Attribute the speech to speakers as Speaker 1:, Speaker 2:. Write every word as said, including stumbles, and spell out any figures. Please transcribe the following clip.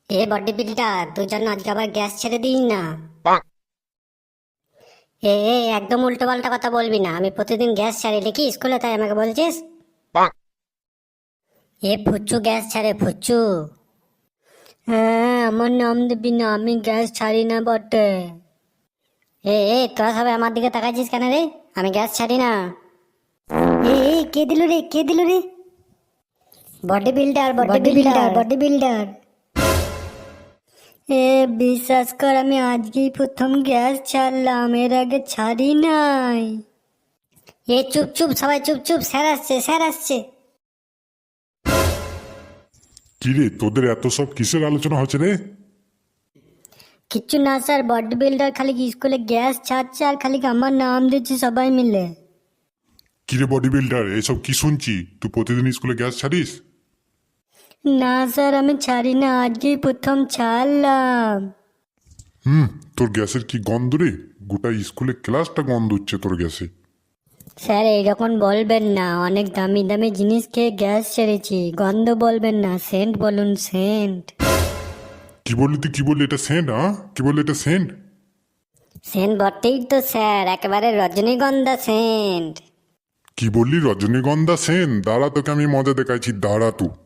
Speaker 1: এ body builder, তুই যেন আজকে আবার গ্যাস ছেড়ে দিস না। এ এ, একদম উল্টো পাল্টা কথা বলবি না। আমি প্রতিদিন গ্যাস ছাড়ি দেখি স্কুলে, তাই আমাকে বলছিস? এ ফুচ্চু গ্যাস ছাড়ে, ফুচ্চু। হ্যাঁ, আমার নাম দিবি না, আমি গ্যাস ছাড়ি না বটে। এ এ, তোরা সবাই আমার দিকে তাকাইছিস কেন রে? আমি গ্যাস ছাড়ি না। এ এ, কে দিল রে, কে দিল রে? Body builder, body builder, body builder. এ বিশ্বাস কর, আমি আজকেই প্রথম গ্যাস ছাড়লাম, এর আগে ছাড়ি নাই। এ চুপ চুপ, সবাই চুপ চুপ, স্যার আসছে, স্যার আসছে।
Speaker 2: কিরে, তোদের এত সব কিসের আলোচনা হচ্ছে রে?
Speaker 1: কিচ্ছু না স্যার, বডি বিল্ডার খালি স্কুলে গ্যাস ছাড়ছে আর খালি আমার নাম দিচ্ছে সবাই মিলে।
Speaker 2: কিরে বডি বিল্ডার, এসব কি শুনছি? তুই প্রতিদিন স্কুলে গ্যাস ছাড়িস?
Speaker 1: না স্যার, আমি ছাড়ি না, আজকেই প্রথম ছাড়লাম।
Speaker 2: হুম, তোর গ্যাসের কি গন্ধ রে! গোটা স্কুলে ক্লাসটা গন্ধ হচ্ছে তোর গ্যাসে।
Speaker 1: স্যার এইরকম বলবেন না, অনেক দামি দামি জিনিস খেয়ে গ্যাস ছেড়েছি। গন্ধ বলবেন না, সেন্ট বলুন, সেন্ট।
Speaker 2: কি বললি তুই? কি বললি? এটা সেন্ট? হ্যাঁ, কি বললি? এটা সেন্ট?
Speaker 1: সেন্ট বটেই তো স্যার, একেবারে রজনীগন্ধা সেন্ট।
Speaker 2: কি বললি? রজনীগন্ধা সেন্ট? দাঁড়া, তোকে আমি মজা দেখাইছি, দাঁড়া তুই।